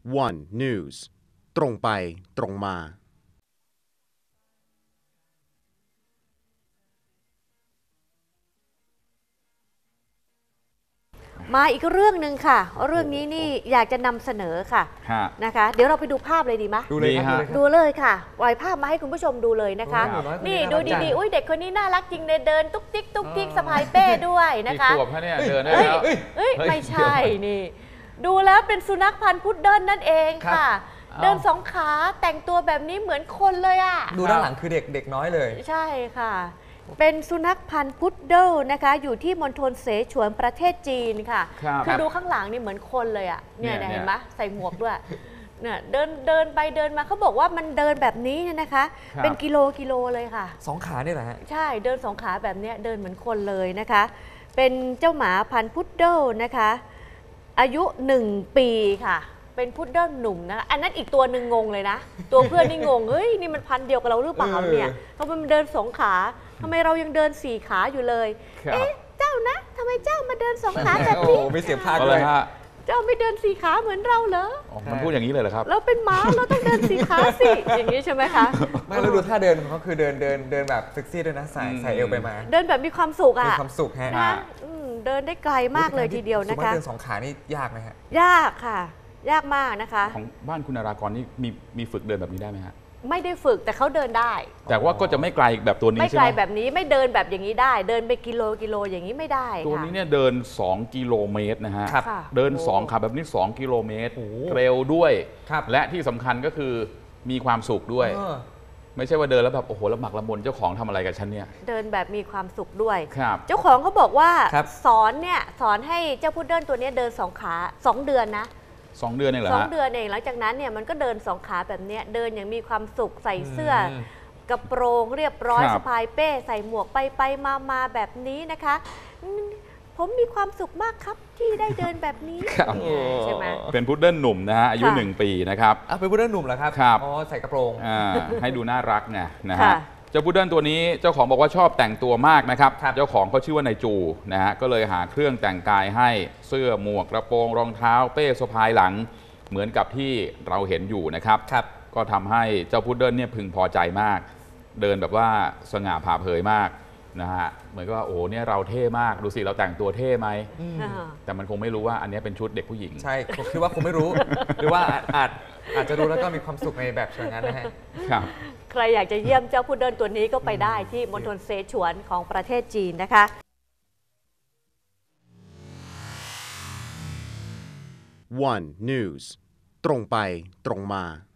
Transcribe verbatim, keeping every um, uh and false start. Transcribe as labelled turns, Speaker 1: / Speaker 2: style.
Speaker 1: วัน News ตรงไปตรงมา
Speaker 2: มาอีกเรื่องหนึ่งค่ะเรื่องนี้นี่อยากจะนำเสนอค่ะนะคะเดี๋ยวเราไปดูภาปเลยดีไหม
Speaker 3: ดูเลยครับ
Speaker 2: ดูเลยค่ะปล่อยภาพมาให้คุณผู้ชมดูเลยนะคะนี่ดูดีๆอุ้ยเด็กคนนี้น่ารักจริงเลยเดินตุ๊กติ๊กตุ๊กติ๊กสะพายเป้ด้วยนะคะ
Speaker 3: ขวบแค่นี้เดินได้แล้ว
Speaker 2: เอ้ยไม่ใช่นี่ดูแล้วเป็นสุนัขพันธุ์พุดเดิ้ลนั่นเองค่ะเดินสองขาแต่งตัวแบบนี้เหมือนคนเลยอ่ะ
Speaker 4: ดูด้านหลังคือเด็กเด็กน้อยเลย
Speaker 2: ใช่ค่ะเป็นสุนัขพันธุ์พุดเดิ้ลนะคะอยู่ที่มณฑลเสฉวนประเทศจีนค่ะคือดูข้างหลังนี่เหมือนคนเลยอ่ะเนี่ยเห็นไหมใส่หมวกด้วยเนี่ยเดินเดินไปเดินมาเขาบอกว่ามันเดินแบบนี้เนี่ยนะคะเป็นกิโลกิโลเลยค่ะ
Speaker 4: สองขาเนี่ยแหละฮะ
Speaker 2: ใช่เดินสองขาแบบนี้เดินเหมือนคนเลยนะคะเป็นเจ้าหมาพันธุ์พุดเดิ้ลนะคะอายุหนึ่งปีค่ะเป็นพุดเดิ้ลหนุ่มนะอันนั้นอีกตัวหนึ่งงงเลยนะตัวเพื่อนนี่งงเฮ้ยนี่มันพันธุ์เดียวกับเราหรือเปล่าเนี่ยทำไมมันเดินสองขาทำไมเรายังเดินสี่ขาอยู่เลยเอ๊ะเจ้านะทำไมเจ้ามาเดินสองขาแบบนี้
Speaker 4: ไม่เสียภาคเลยฮะ
Speaker 2: เจ้าไม่เดินสี่ขาเหมือนเราเหรอ
Speaker 3: มันพูดอย่างนี้เลยเหรอครับ
Speaker 2: เราเป็นหมาเราต้องเดินสี่ขาสิอย่างนี้ใช่ไหมคะ
Speaker 4: ไม่แล้วดูท่าเดินเขาคือเดินเดินเดินแบบเซ็กซี่ด้วยนะใส่ใส่เอวไปมา
Speaker 2: เดินแบบมีความสุขอ่ะ
Speaker 4: มีความสุขฮะ
Speaker 2: เดินได้ไกลมากเลยทีเดียวนะคะ
Speaker 4: เดินสองขานี่ยากไหมฮะ
Speaker 2: ยากค่ะยากมากนะคะ
Speaker 3: ของบ้านคุณนารากรนี่มีมีฝึกเดินแบบนี้ได้ไหมฮะ
Speaker 2: ไม่ได้ฝึกแต่เขาเดินได้
Speaker 3: แต่ว่าก็จะไม่ไกลแบบตัวนี้ใช่ไหม
Speaker 2: ไม่ไกลแบบนี้ไม่เดินแบบอย่างนี้ได้เดินไปกิโลกิโลอย่างนี้ไม่ได้
Speaker 3: ตัวนี้เนี่ยเดินสองกิโลเมตรนะฮะเดินสองขาแบบนี้สองกิโลเมตรเร็วด้วยและที่สำคัญก็คือมีความสุขด้วยไม่ใช่ว่าเดินแล้วแบบโอ้โหละหมักละมุนเจ้าของทำอะไรกับฉันเนี่ย
Speaker 2: เดินแบบมีความสุขด้วย
Speaker 3: ครับ
Speaker 2: เจ้าของเขาบอกว่าสอนเนี่ยสอนให้เจ้าพุดเดิ้ลตัวนี้เดินสองขาสองเดือนนะ
Speaker 3: สองเดือนเองเหรอ
Speaker 2: สองเดือนเองหลังจากนั้นเนี่ยมันก็เดินสองขาแบบนี้เดินอย่างมีความสุขใส่เสื้อกระโปรงเรียบร้อยสะพายเป้ใส่หมวกไปไปมามาแบบนี้นะคะผมมีความสุขมากครับที่ได้เดินแบบนี้ใช่ไหม
Speaker 3: เป็นพุดเดิ้ลหนุ่มนะฮะอายุหนึ่งปีนะครับ
Speaker 4: เป็นพุดเดิ้ลหนุ่มเหรอครับอ๋อใส่กระโปรง
Speaker 3: ให้ดูน่ารักไงนะฮะเจ้าพุดเดิ้ลตัวนี้เจ้าของบอกว่าชอบแต่งตัวมากนะครับเจ้าของเขาชื่อว่านายจูนะฮะก็เลยหาเครื่องแต่งกายให้เสื้อหมวกกระโปรงรองเท้าเป้สะพายหลังเหมือนกับที่เราเห็นอยู่นะครับก็ทำให้เจ้าพุดเดิ้ลเนี่ยพึงพอใจมากเดินแบบว่าสง่าผ่าเผยมากนะฮะเหมือนกับว่าโอ้เนี่ยเราเท่มากดูสิเราแต่งตัวเท่ไหมแต่มันคงไม่รู้ว่าอันนี้เป็นชุดเด็กผู้หญิง
Speaker 4: ใช่ผมคิดว่าคงไม่รู้หรือว่าอาจอาจจะรู้แล้วก็มีความสุขในแบบเชิงนั้นนะฮะ
Speaker 3: ครับ
Speaker 2: ใครอยากจะเยี่ยมเจ้าพุดเดิ้ลตัวนี้ก็ไปได้ที่มณฑลเสฉวนของประเทศจีนนะคะ
Speaker 1: วัน News ตรงไปตรงมา